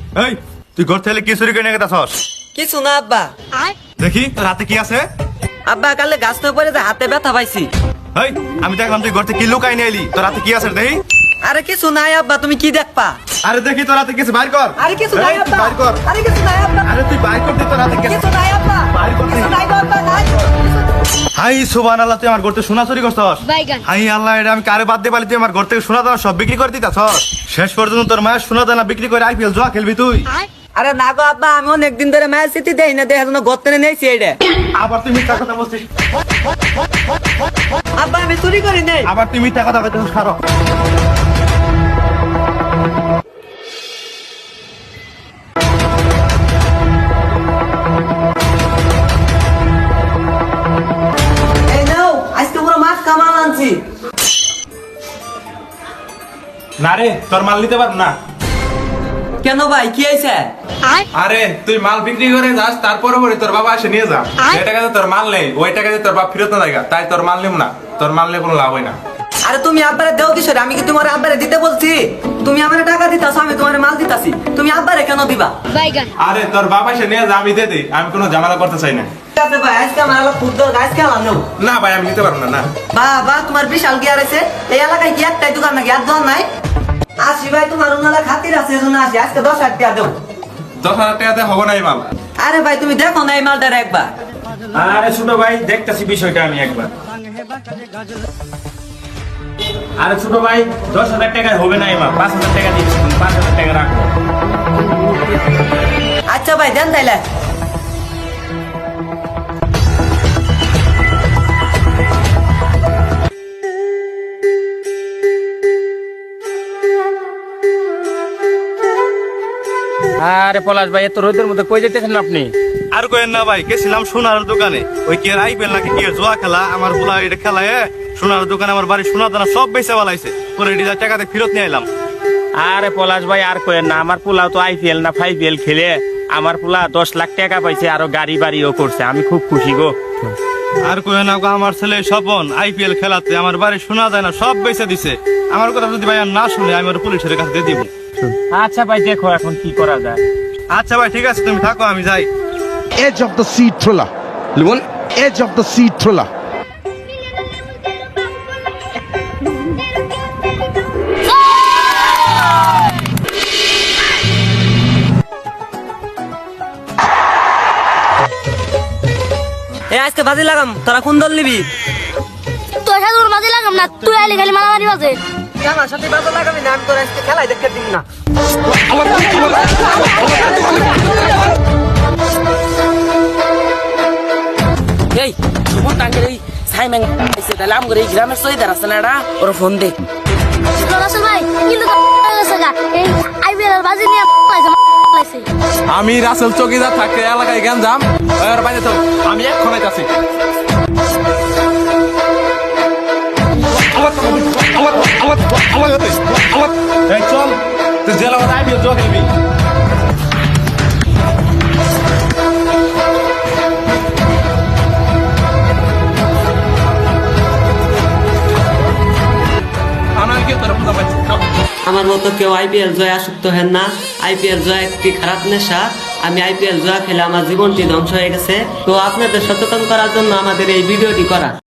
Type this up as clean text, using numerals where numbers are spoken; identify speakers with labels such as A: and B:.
A: এই তুই ঘর থেকে কি চুরি করে নিয়ে গেছস?
B: কিছু না আব্বা।
A: দেখি তোর হাতে কি আছে?
B: আব্বা কালে গাছ না পড়ে যে হাতে ব্যথা পাইছি।
A: এই আমি দেখলাম তুই ঘর থেকে কি লুকাই নিয়ে এলি, তোর হাতে কি আছে দেখি।
B: আরে কিছু নাই আব্বা, তুমি কি দেখবা?
A: আরে দেখি তোর হাতে কিছু বাইর কর।
B: আরে কিছু নাই
A: এই, তুই
B: আব্বা।
A: বাইর কর।
B: আরে কিছু নাই আব্বা।
A: আরে তুই বাইর কর, তোর হাতে
B: কিছু নাই আব্বা।
A: বাইর কর।
B: কিছু নাই আব্বা, নাই।
A: হাই সুবহানাল্লাহ, তুই আমার ঘর থেকে সোনা চুরি করছস।
C: বাইগান।
A: হাই আল্লাহ, এটা আমি কারে বাদ দিয়ে পারি, তুই আমার ঘর থেকে সোনা দানা সব বিক্রি করে দিতাছস। শেষ পর্যন্ত তোর মায়ের সোনা দানা বিক্রি করে আইপিএল জুয়া খেলবি তুই।
B: আরে না গো আব্বা, আমি অনেকদিন ধরে মায়ের স্মৃতি দেই না, দেখার জন্য গর্তে নিয়েছি এইটা।
A: আবার তুই মিথ্যা কথা বলছিস।
B: আব্বা আমি চুরি করি নাই।
A: আবার তুই মিথ্যা কথা কইতেছিস। খারো
B: এই নাও, আজকে পুরো মাছ কামাল আনছি।
D: না রে, তোর মাল নিতে পারব না।
B: কেন ভাই, কি হয়েছে?
D: আরে তুই মাল বিক্রি করে যাস, তারপরে পরে তোর বাবা এসে নিয়ে যা। যে টাকাতে তোর মাল নেই, ওই টাকাতে তোর বাপ ফেরত না দেয়, তাই তোর মাল নিব না। তোর মাল নিয়ে কোনো লাভ হয় না।
B: আরে তুমি আব্বারে দেও কিশোর, আমি কি তোমার আব্বারে দিতে বলছি? তুমি আমার টাকা দিতাছো, আমি তোমার মাল দিতাছি, তুমি আব্বারে কেন দিবা?
C: বাইগান।
D: আরে তোর বাবা এসে নিয়ে যা, আমি দিয়ে দিই। আমি কোনো ঝামেলা করতে চাই না।
B: ঠিক আছে ভাই, আজকে আমার হলো খুব দরকার, আজকে আমার নেও।
D: না ভাই, আমি নিতে পারবো না। না
B: বাবা তোমার বিশাল গিয়ার আছে, এই এলাকায় কি একটাই দোকান নাকি? আর দোকান নাই? আসি ভাই, তোমার উনালা খাতির আছে, এজন্য আসি। আজকে 10,000 টাকা দেও।
D: 10,000 টাকাতে হবে না এই মাল।
B: আরে ভাই তুমি দেখো না এই মালটার একবার।
E: আরে ছোট ভাই, দেখতেছি বিষয়টা আমি একবার। আরে ছোট ভাই, 10,000 টাকায় হবে না এবার, 5,000 টাকা দিচ্ছি, তুমি 5,000 টাকা রাখো।
B: আচ্ছা ভাই দেন তাইলে।
E: আরে পলাশ ভাই, এত রোদের মধ্যে কই যেতেছেন আপনি?
A: আর কইেন না ভাই, গেছিলাম সোনার দোকানে। ওই কি আর আইপিএল নাকি কি আর জুয়া খেলা, আমার পোলা এটা খেলায় সোনার দোকানে আমার বাড়ির সোনা দানা সব বেচে বলাইছে। পরে ডিজার টাকাতে ফেরত নিয়ে এলাম।
E: আরে পলাশ ভাই, আর কইেন না, আমার পোলাও তো আইপিএল না 5PL খেলে আমার পোলা 10 লাখ টাকা পাইছে, আরো গাড়ি বাড়িও করছে। আমি খুব খুশি গো।
A: আর কইেন না গো, আমার ছেলে স্বপন আইপিএল খেলাতে আমার বাড়ির সোনা দানা সব বেচে দিছে। আমার কথা যদি ভাই আর না শুনে, আমি ওর পুলিশের কাছে দিয়ে দিব।
E: আচ্ছা ভাই, দেখো এখন কি করা যায়।
A: আচ্ছা ভাই ঠিক আছে, তুমি থাকো, আমি যাই।
F: Edge of the seat thriller. Limon? Edge of the seat thriller.
B: এই আজকে বাজি লাগাম, তোরা কোন দল নিবি?
C: তোর সাথে ওর বাজে লাগাম না, তুই আইলে খালি মারামারি বাজে।
B: আমার সাথে বাজি লাগাবি না, আমি তোর আজকে খেলাই দেখতে দিব না।
G: এই সুমন টাঙ্গের এই সাইমেন আইছে, তাহলে আমগর এই গ্রামের সহিদার আছে না, এটা ওর ফোন দে।
C: রাসেল ভাই কিন্তু গেছে গা, এই আইপিএল এর বাজি নিয়ে লাইছে।
D: আমি রাসেল চৌকিদার থাকতে এলাকায় গেঞ্জাম, ওর বাইরে তো আমি এখন আইতাছি। এই চল, তুই জেলা আইপিএল জুয়া খেলবি।
B: আমার মতো কেউ আইপিএল জয় আসক্ত হেন না। আইপিএল জয় একটি খারাপ নেশা। আমি আইপিএল জয় খেলে আমার জীবনটি ধ্বংস হয়ে গেছে। তো আপনাদের সচেতন করার জন্য আমাদের এই ভিডিওটি করা।